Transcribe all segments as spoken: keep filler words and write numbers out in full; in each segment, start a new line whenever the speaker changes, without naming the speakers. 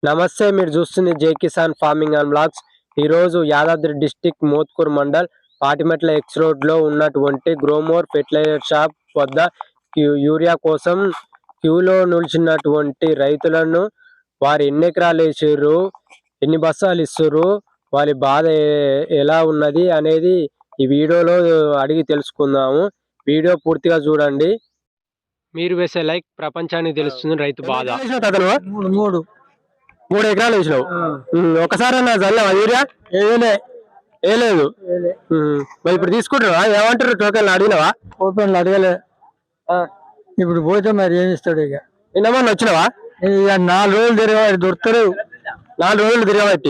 నమస్తే, మీరు చూస్తుంది జై కిసాన్ ఫార్మింగ్ అండ్ బ్లాగ్స్. ఈరోజు Yadadri district Mothkur mandal Patimetla X road లో ఉన్నటువంటి గ్రోమోర్ ఫెర్టిలైజర్ షాప్ వద్ద యూరియా కోసం క్యూలో నిలిచినటువంటి రైతులను వారు ఎన్ని ఎకరాలు వేసారు, ఎన్ని బస్తాలు ఇస్తారు, వారి బాధ ఎలా ఉన్నది అనేది ఈ వీడియోలో అడిగి తెలుసుకుందాము. వీడియో పూర్తిగా చూడండి. మీరు వేసే లైక్ ప్రపంచానికి తెలుస్తుంది రైతు బాధ. మూడు మూడు ఎకరాలు వేసినావు. ఒకసారి అన్న చల్లవా యూరియా? ఏలే ఏలేదు. మరి ఇప్పుడు తీసుకుంటారా? ఏమంటారు? టోకెన్లు అడిగినవా?
టోకెన్లు అడగలే. ఇప్పుడు పోతే మరి ఏమి ఇస్తాడు? ఇక
నిన్నమన్నా వచ్చినావా?
ఇక నాలుగు రోజులు తిరగబట్టి దొరుకుతారు.
నాలుగు రోజులు తిరగబట్టి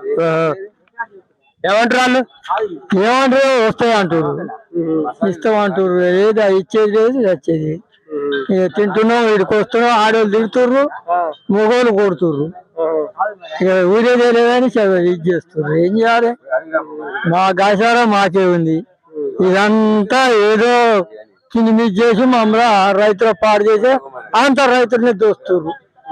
ఏమంటారు వాళ్ళు?
ఏమంటారు? వస్తాయి అంటారు, ఇస్తాం అంటారు. ఏది ఇచ్చేది లేదు, వచ్చేది. ఇక తింటున్నాం, వీడికి వస్తున్నాం. ఆడవాళ్ళు తిరుగుతుర్రు, మగవాళ్ళు కొడుతుర్రు. ఇక ఊరేదే లేదని ఇది చేస్తుర్రు. ఏం చేయాలి? మా గాసారం మాకే ఉంది. ఇదంతా ఏదో కింది మీద చేసి మమ్మల్ని రైతుల పాడు చేసి అంత రైతుల్ని దోస్తుర్రు.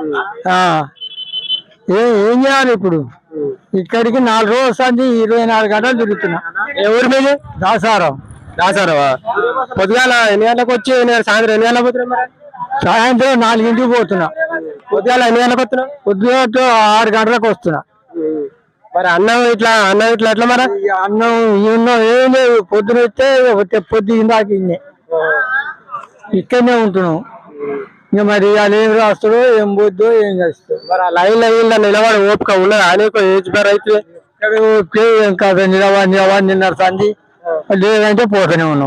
ఏం చేయాలి ఇప్పుడు? ఇక్కడికి నాలుగు రోజులు వస్తుంది, ఇరవై నాలుగు గంటలు తిరుగుతున్నా.
ఎవరి మీద?
దాసారం.
దాసారవా? పొద్దుగాల ఎన్ని గంటలకు వచ్చి సాయంత్రం ఎన్ని గంటలకు పోతున్నా?
సాయంత్రం నాలుగింటికి పోతున్నా.
పొద్దుగాల ఎన్ని గంటలకు వస్తున్నా?
పొద్దుగట్టు ఆరు గంటలకు వస్తున్నా.
మరి అన్నం ఇట్లా అన్నం ఇట్లా ఎట్లా? మరి
అన్నం ఇన్నం ఏం లేదు. పొద్దున వస్తే పొద్దు ఇందాక ఇన్నే ఇక్కడనే ఉంటున్నాం. ఇక మరి వాళ్ళు ఏం రాస్తారో, ఏం పోద్దో, ఏం చేస్తారో.
మరి ఆ లైన్ లైన్ నిలబడి ఓపిక ఉన్నదా? అనేక ఏజ్ బార్ అయితే
ఏం కాదు. నిలబడి నిలబడి నిన్న సంది లేదంటే పోతూనే ఉన్నాం.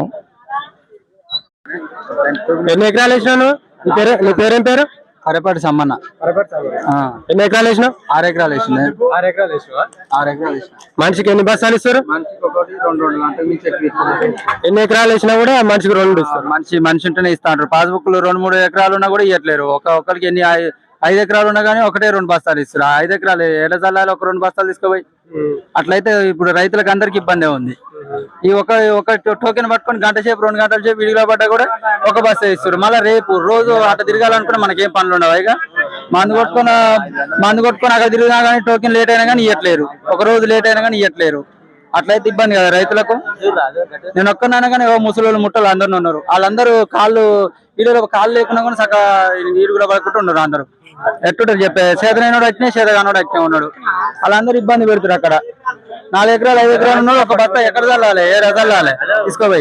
ఎన్ని ఎకరాలు వేసినావు? నీ పేరు నీ పేరేం పేరు?
కరపాటి సమ్మన్న.
ఎన్ని ఎకరాలు వేసినావు?
ఆరు ఎకరాలు వేసిన.
ఆరు ఎకరాలు వేసినావా?
ఆరు ఎకరాలు వేసిన.
మనిషికి ఎన్ని బస్తాలు ఇస్తారు?
మనిషికి ఒకటి రెండు రెండు గంటల నుంచి
ఎన్ని ఎకరాలు వేసినా కూడా మనిషికి రెండు ఇస్తారు.
మనిషి మనిషి ఉంటేనే ఇస్తా అంటారు. పాస్బుక్ లో రెండు మూడు ఎకరాలు ఉన్నా కూడా ఇవ్వట్లేరు. ఒక ఒక్కరికి ఎన్ని ఐదు ఎకరాలు ఉన్నా కానీ ఒకటే రెండు బస్తాలు ఇస్తారు. ఐదు ఎకరాలు ఎడ చల్లాలి, ఒక రెండు బస్తాలు తీసుకుపోయి. అట్లయితే ఇప్పుడు రైతులకు అందరికి ఇబ్బంది ఉంది. ఈ ఒక ఒక టోకెన్ పట్టుకొని గంట సేపు రెండు గంటల సేపు విడిగా పడ్డా కూడా ఒక బస్సు ఇస్తారు. మళ్ళీ రేపు రోజు అట్లా తిరగాలనుకున్నా మనకేం పనులు ఉండవు. ఇక మందు కొట్టుకొని మందు కొట్టుకొని అక్కడ తిరిగినా కానీ టోకెన్ లేట్ అయినా కానీ ఇవ్వట్లేరు. ఒక రోజు లేట్ అయినా కానీ ఇవ్వట్లేరు. అట్లయితే ఇబ్బంది కదా రైతులకు. నేను ఒక్కనైనా కానీ ముసలి ముట్టలు అందరు ఉన్నారు. వాళ్ళందరూ కాళ్ళు వీడియోలో కాళ్ళు లేకుండా కూడా సగ ఈడుగులో పడుకుంటూ ఉన్నారు. అందరూ ఎట్టుంటారు చెప్పే? చేతనైనోడు వచ్చినా చేతగానోడు వచ్చినా ఉన్నాడు. వాళ్ళందరూ ఇబ్బంది పెడుతున్నారు. అక్కడ నాలుగు ఎకరాలు ఐదు ఎకరాలు ఉన్నాడు. ఒక బస్తా ఎక్కడ చల్లాలి, ఏ చల్లాలి తీసుకోపోయి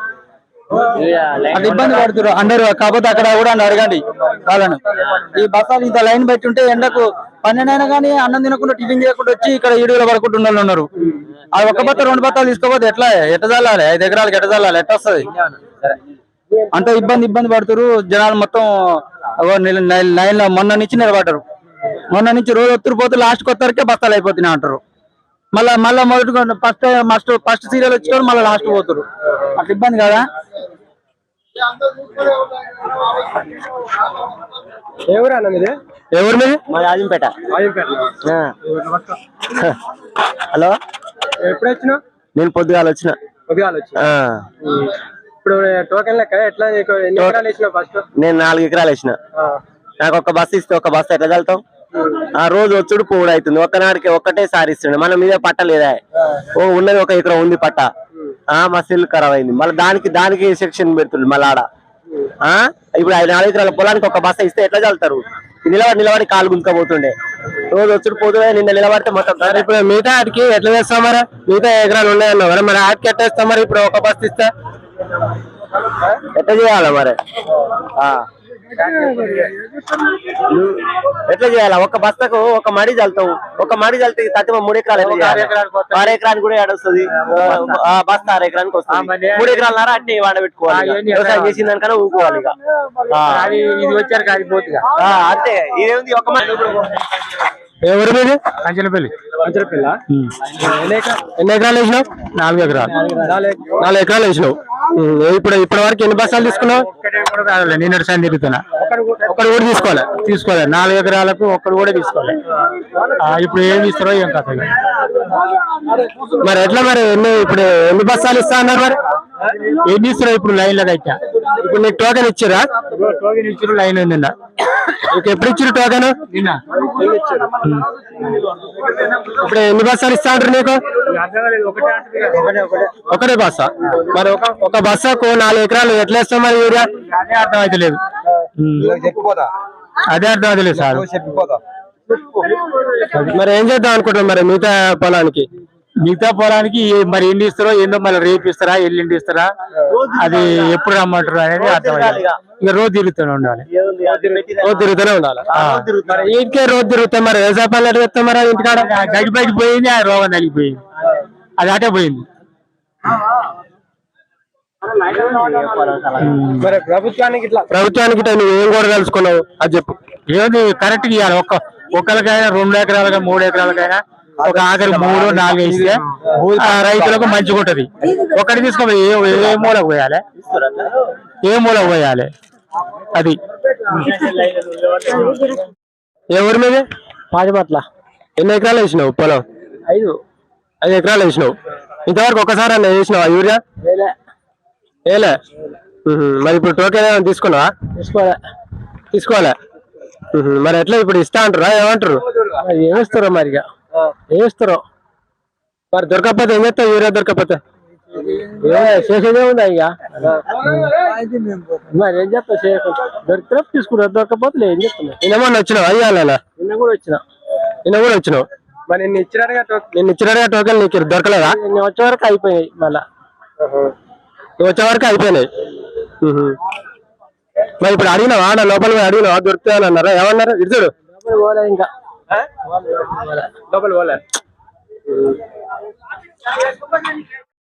అది ఇబ్బంది పడుతున్నారు అందరూ. కాకపోతే అక్కడ కూడా అడగండి వాళ్ళను. ఈ బస్తాలు ఇంత లైన్ పెట్టి ఉంటే ఎండకు పన్నెండు అయినా కానీ అన్నం తినకుండా టిఫిన్ చేయకుండా వచ్చి ఇక్కడ ఈడుగులో పడుకుంటున్న వాళ్ళు ఉన్నారు. ఆ ఒక్క బత్త రెండు బత్తాలు తీసుకోపోతే ఎట్లా ఎట్ట చల్లాలి? ఐదు ఎకరాలకి ఎట్ట చల్లాలి? ఎట్ట వస్తుంది? అంత ఇబ్బంది ఇబ్బంది పడుతున్నారు జనాలు. మొత్తం లైన్ లో మొన్న నుంచి నిలబడ్డారు. మొన్న నుంచి రోజు ఒత్తురు పోతే లాస్ట్ కొత్తరికే బస్తాలు అయిపోతున్నాయి అంటారు. మళ్ళా మళ్ళా మొదటి ఫస్ట్ ఫస్ట్ ఫస్ట్ సీరియల్ వచ్చి మళ్ళీ లాస్ట్ పోతారు. అట్లా ఇబ్బంది కదా.
ఎవరు అన్న మీది? ఎవరి మీద?
మా ఆజింపేట.
హలో, ఎప్పుడు వచ్చినావు?
నేను పొద్దుగాల వచ్చిన.
పొద్దుగాల వచ్చిన. ఇప్పుడు టోకెన్ లెక్క ఎట్లా? ఎన్ని ఎకరాలు వేసినావు ఫస్ట్?
నేను నాలుగు ఎకరాలు వేసిన. నాకు ఒక బస్సు ఇస్తే ఒక బస్సు ఎట్లా చల్లుతాం? ఆ రోజు వచ్చుడు పోవుడు అవుతుంది. ఒక్కనాడికి ఒక్కటే సారి ఇస్తుండే. మన మీద పట్ట లేదా? ఓ ఉన్నది ఒక ఎకరం ఉంది పట్ట. ఆ మా సెల్ ఖరాబ్ అయింది. మళ్ళీ దానికి దానికి సెక్షన్ పెడుతుంది మళ్ళీ ఆడ. ఆ ఇప్పుడు ఐదు నాలుగు ఎకరాల పొలానికి ఒక బస్సు ఇస్తే ఎట్లా చల్లుతారు? నిలబడి నిలబడి కాలు గుంజుకపోతుండే. రోజు వచ్చుడు పోతుండే. నిన్న నిలబడితే మొత్తం.
ఇప్పుడు మిగతా ఆటికి ఎట్లా చేస్తాం? మరి మిగతా ఎకరాలు ఉన్నాయన్నావు కదా, మరి ఆటికి ఎట్లా ఇస్తాం? మరి ఇప్పుడు ఒక బస్సు ఇస్తే
ఎట్లా చేయాలా మరి? ఎట్లా చేయాలా? ఒక బస్తకు ఒక మడి చల్లుతావు. ఒక మడి చల్లితే తక్కువ మూడు ఎకరాలు ఆరు ఎకరానికి కూడా ఏడొస్తుంది. బస్తా ఆరు ఎకరానికి వస్తుంది. మూడు ఎకరాలన్నారా అట్నే వాడబెట్టుకోవాలి. వ్యవసాయం చేసిన దానికన్నా ఊరుకోవాలి. ఇక
వచ్చారు కాలిపోతుంది
అంతే. ఇదేంది ఒక మడి.
ఎవరి మీద?
అంచనపల్లి.
అంచనపల్లి. ఎన్ని ఎకరాలు వేసినావు?
నాలుగు ఎకరాలు.
నాలుగు ఎకరాలు వేసినావు. ఇప్పుడు ఇప్పటి వరకు ఎన్ని బస్తాలు తీసుకున్నావు?
నిన్నటి సాయం తిరుగుతున్నా.
ఒక్కడు కూడా తీసుకోవాలి
తీసుకోవాలి నాలుగు ఎకరాలకు ఒక్కడు కూడా తీసుకోవాలి. ఇప్పుడు ఏమి ఇస్తారో ఏం కథ.
మరి ఎట్లా? మరి ఎన్ని ఇప్పుడు ఎన్ని బస్తాలు ఇస్తా అన్నారు? మరి
ఎన్ని ఇస్తారు ఇప్పుడు లైన్ లో అయితే
ఇప్పుడు నీకు టోకెన్ ఇచ్చిరా?
టోకెన్ ఇచ్చారు లైన్ నిన్న
నీకు ఎప్పుడు ఇచ్చిరు టోకెన్?
నిన్న
ఇప్పుడు ఎన్ని బస్సాలు ఇస్తా ఉంటారు నీకు? ఒకటే బస్సా? మరి ఒక ఒక బస్సాకు నాలుగు ఎకరాలు ఎట్లా ఇస్తాం మరి యూరియా?
అదే అర్థం అయితే లేదు అదే అర్థం అయితే లేదు సార్.
మరి ఏం చేద్దాం అనుకుంటాం మరి మిగతా పొలానికి?
మిగతా పొలానికి మరి ఎన్ని ఇస్తారో ఏందో మళ్ళీ రేపు ఇస్తారా ఎల్లుండి ఇస్తారా అది ఎప్పుడు రమ్మంటారు అనేది అర్థం అయితే ఇక రోజు తిరుగుతూనే ఉండాలి.
రోజు తిరుగుతూనే ఉండాలి. మరి ఇంటికే రోజు తిరుగుతాం మరి వ్యవసాయ పనులు ఎట్లా చేస్తాం మరి ఇంటికాడ?
గడ్డి బయట పోయింది ఆ రోగం తగ్గిపోయింది అది అటే పోయింది.
మరి ప్రభుత్వానికి ఇట్లా ప్రభుత్వానికి ఇట్లా నువ్వు ఏం కూడా తెలుసుకున్నావు అది చెప్పు.
ఏది కరెక్ట్ ఇవ్వాలి. ఒక్క ఒక్కరికైనా రెండు ఎకరాలకైనా మూడు ఎకరాలకైనా ఒక ఆఖరి మూడు నాలుగు ఇస్తే ఆ రైతులకు మంచిగా ఉంటది. ఒకటి తీసుకోపోయి ఏ ఏ మూలకు పోయాలి ఏ మూలకు పోయాలి అది.
ఏ ఊరి మీద?
పాజిపట్ల.
ఎన్ని ఎకరాలు వేసినావు పొలం?
ఐదు
ఐదు ఎకరాలు వేసినావు. ఇంతవరకు ఒకసారి అన్న వేసినావా యూరియా? ఏలే. మరి ఇప్పుడు టోకెన్ ఏమైనా తీసుకున్నావా?
తీసుకోలే.
తీసుకోవాలా? మరి ఎట్లా ఇప్పుడు ఇస్తా అంటారా ఏమంటారు?
ఏమిస్తారో మరి ఇక ఏమిస్తారో
మరి దొరకకపోతే ఏం చేస్తావు? యూరియా దొరకకపోతే
చేసేదే ఉందా ఇక మరి ఏం చేస్తా చేయకుండా దొరికితే తీసుకుంటారు దొరకపోతే ఏం చెప్తున్నా.
నిన్నమన్నా వచ్చినావు అయ్యాలనా?
నిన్న కూడా వచ్చిన
నిన్న కూడా వచ్చినావు. మరి నిన్ను ఇచ్చినట్టుగా నిన్ను ఇచ్చినట్టుగా టోకెన్ నీకు దొరకలేదా?
నిన్న వచ్చే వరకు అయిపోయాయి మళ్ళా
వచ్చే వరకు అయిపోయినాయి. మరి ఇప్పుడు అడిగినావా ఆడ లోపల పోయి అడిగినావా దొరుకుతాయని అన్నారా? ఏమన్నారు? ఇడుచుడు
పోలే ఇంకా
లోపల పోలే.